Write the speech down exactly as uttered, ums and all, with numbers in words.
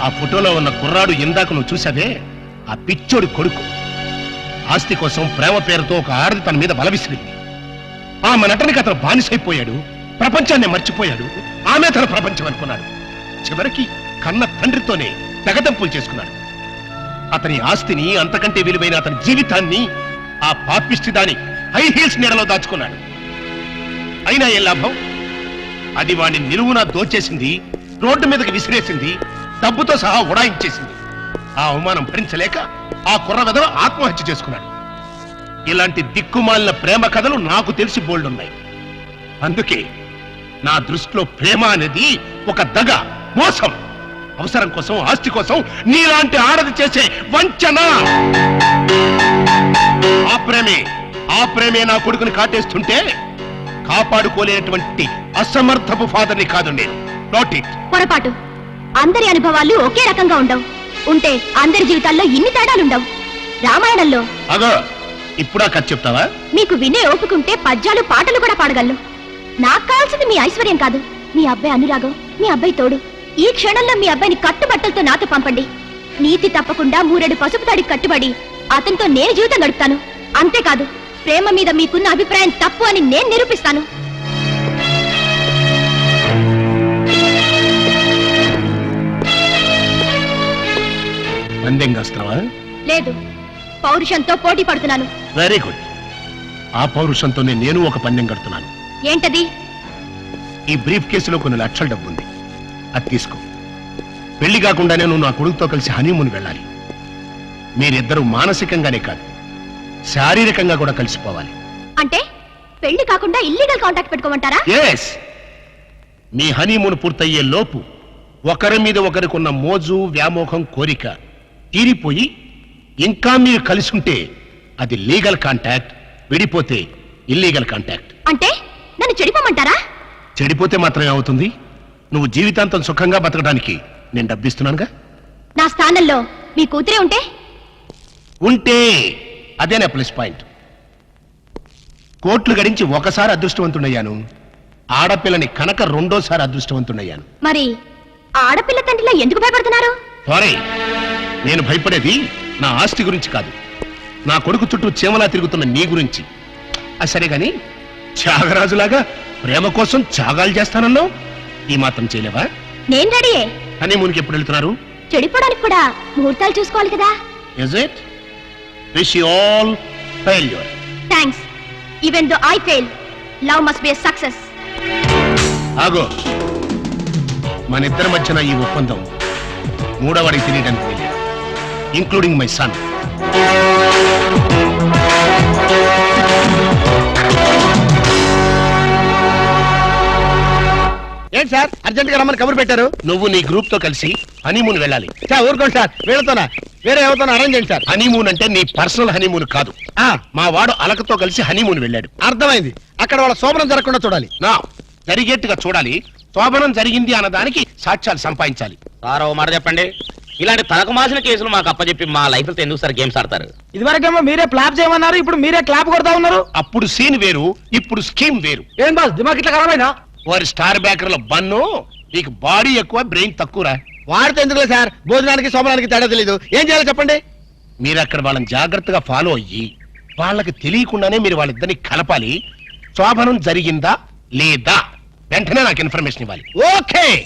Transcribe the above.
ఆ ఫోటోలో ఉన్న కుర్రాడు ఇందాక నువ్వు చూసావే, ఆ పిచ్చోడి కొడుకు. ఆస్తి కోసం ప్రేమ పేరుతో ఒక ఆడది తన మీద బలవిసిరింది. ఆమె నటనకి అతను బానిసైపోయాడు, ప్రపంచాన్ని మర్చిపోయాడు. ఆమె తన ప్రపంచం అనుకున్నాడు. చివరికి కన్న తండ్రితోనే తెగదంపులు చేసుకున్నాడు. అతని ఆస్తిని, అంతకంటే విలువైన అతని జీవితాన్ని ఆ పాపిష్టి దాని హై హీల్స్ నీడలో దాచుకున్నాడు. అయినా ఏ లాభం? అది వాడిని నిలువున దోచేసింది, రోడ్డు మీదకి విసిరేసింది, డబ్బుతో సహా ఉడాయించేసింది. ఆ అవమానం భరించలేక ఆ కుర్ర వెధవ ఆత్మహత్య చేసుకున్నాడు. ఇలాంటి దిక్కుమాలిన ప్రేమ కథలు నాకు తెలిసి బోల్డున్నాయి. అందుకే నా దృష్టిలో ప్రేమ అనేది ఒక దగ, మోసం. అవసరం కోసం, ఆస్తి కోసం నీలాంటి ఆడది చేసే వంచన. ఆ ప్రేమే ఆ ప్రేమే నా కొడుకుని కాటేస్తుంటే కాపాడుకోలేనటువంటి అసమర్థపు ఫాదర్ని కాదు నేను. Not it. పొరపాటు. అందరి అనుభవాలు ఒకే రకంగా ఉండవు. ఉంటే అందరి జీవితాల్లో ఇన్ని తేడాలుండవు. రామాయణంలో అగో ఇప్పుడా కథ చెప్తావా? మీకు వినే ఓపుకుంటే పద్యాలు, పాటలు కూడా పాడగలను. నాకు కావాల్సింది మీ ఐశ్వర్యం కాదు, మీ అబ్బాయి అనురాగం, మీ అబ్బాయి తోడు. ఈ క్షణంలో మీ అబ్బాయిని కట్టుబట్టలతో నాతో పంపండి. నీతి తప్పకుండా మూరెడు పసుపు తాడికి కట్టుబడి అతనితో నేను జీవితం గడుపుతాను. అంతేకాదు, ప్రేమ మీద మీకున్న అభిప్రాయం తప్పు అని నేను నిరూపిస్తాను. పందెం కాస్తావా? లేదు, పౌరుషంతో పోటీ పడుతున్నాను. Very good. ఆ పౌరుషంతోనే నేను ఒక పందెం కడుతున్నాను. ఏంటది? ఈ బ్రీఫ్ కేసులో కొన్ని లక్షల డబ్బు ఉంది, అది తీసుకో. పెళ్లి కాకుండానే నువ్వు నా కొడుకుతో కలిసి హనీమూన్ వెళ్ళాలి. మీరిద్దరూ మానసికంగానే కాదు, శారీరకంగా కూడా కలిసిపోవాలి. అంటే పెళ్లి కాకుండా ఇల్లీగల్ కాంటాక్ట్ పెట్టుకోమంటారా? ఎస్. మీ హనీమూన్ పూర్తయ్యే లోపు ఒకరి మీద ఒకరికున్న మోజు, వ్యామోహం, కోరిక తీరిపోయి ఇంకా మీరు కలిసి ఉంటే అది లీగల్ కాంటాక్ట్, విడిపోతే ఇల్లీగల్ కాంటాక్ట్. అంటే నన్ను చెడిపోమంటారా? చెడిపోతే మాత్రమే అవుతుంది. నువ్వు జీవితాంతం సుఖంగా బతకడానికి నేను డబ్బిస్తున్నానుగా. నా స్థానంలో మీ కూతురే ఉంటే ఉంటే అదేనా ప్లస్ పాయింట్. కోట్లు గడించి ఒకసారి అదృష్టవంతుడయ్యాను, ఆడపిల్లని కనుక రెండోసారి అదృష్టవంతుడయ్యాను. మరి ఆడపిల్ల తండ్రిలా ఎందుకు భయపడుతున్నారు? సారీ, నేను భయపడేది నా ఆస్తి గురించి కాదు, నా కొడుకు చుట్టూ చీమలా తిరుగుతున్న నీ గురించి. అది సరే గాని, త్యాగరాజులాగా ప్రేమ కోసం త్యాగాలు చేస్తానన్నావు, ఈ మాత్రం చేయలేవా? నేను రెడీయే. హనీమూన్కి ఎప్పుడు వెళ్తున్నారు? చెడిపోవడానికి కూడా ముహూర్తాలు చూసుకోవాలి కదా. Is it? Wish you all failure. Thanks. Even though I fail, love must be a success. ఆగో, మన ఇద్దరి మధ్యన ఈ ఒప్పందం మూడవడికి తెలియడానికి వెళ్ళాడు, ఇంక్లూడింగ్ మై సన్. ఏంటి సార్ అర్జెంట్ గా రమ్మని కబురు పెట్టారు? నువ్వు నీ గ్రూప్ తో కలిసి హనీమూన్ వెళ్ళాలి. సార్ ఊరుకోండి సార్, వీళ్ళతోనా వేరే ఎవరితోనా అరేంజ్ చేయండి సార్. హనీమూన్ అంటే నీ పర్సనల్ హనీమూన్ కాదు. ఆ, మా వాడు అలకతో కలిసి హనీమూన్ వెళ్ళాడు. అర్థమైంది. అక్కడ వాళ్ళ శోభనం జరగకుండా చూడాలి. నా జరిగేట్టుగా చూడాలి. శోభనం జరిగింది అన్నదానికి సాక్ష్యాలు సంపాదించాలి. సార్ ఓ మాట చెప్పండి, ఇలాంటి తలకు మాసిన కేసులు మాకు అప్పచెప్పి మా లైఫ్ తో ఎందుకు సార్ గేమ్స్ ఆడతారు? ఇదివరకేమో మీరే క్లాప్ చేయమన్నారు, ఇప్పుడు మీరే క్లాప్ కొడతా ఉన్నారు. అప్పుడు సీన్ వేరు, ఇప్పుడు స్కీమ్ వేరు. ఏం బాస్ దిమాగ్ ఇట్లా ఖరాబైనా? వారి స్టార్ బ్యాకర్ల బన్ను, నీకు బాడీ ఎక్కువ, బ్రెయిన్ తక్కువరా. వాడితే ఎందుకులే సార్, భోజనానికి శోభనానికి తేడా తెలీదు. ఏం చేయాలో చెప్పండి. మీరు అక్కడ వాళ్ళని జాగ్రత్తగా ఫాలో అయ్యి వాళ్ళకి తెలియకుండానే మీరు వాళ్ళిద్దరిని కలపాలి. శోభనం జరిగిందా లేదా వెంటనే నాకు ఇన్ఫర్మేషన్ ఇవ్వాలి. ఓకే.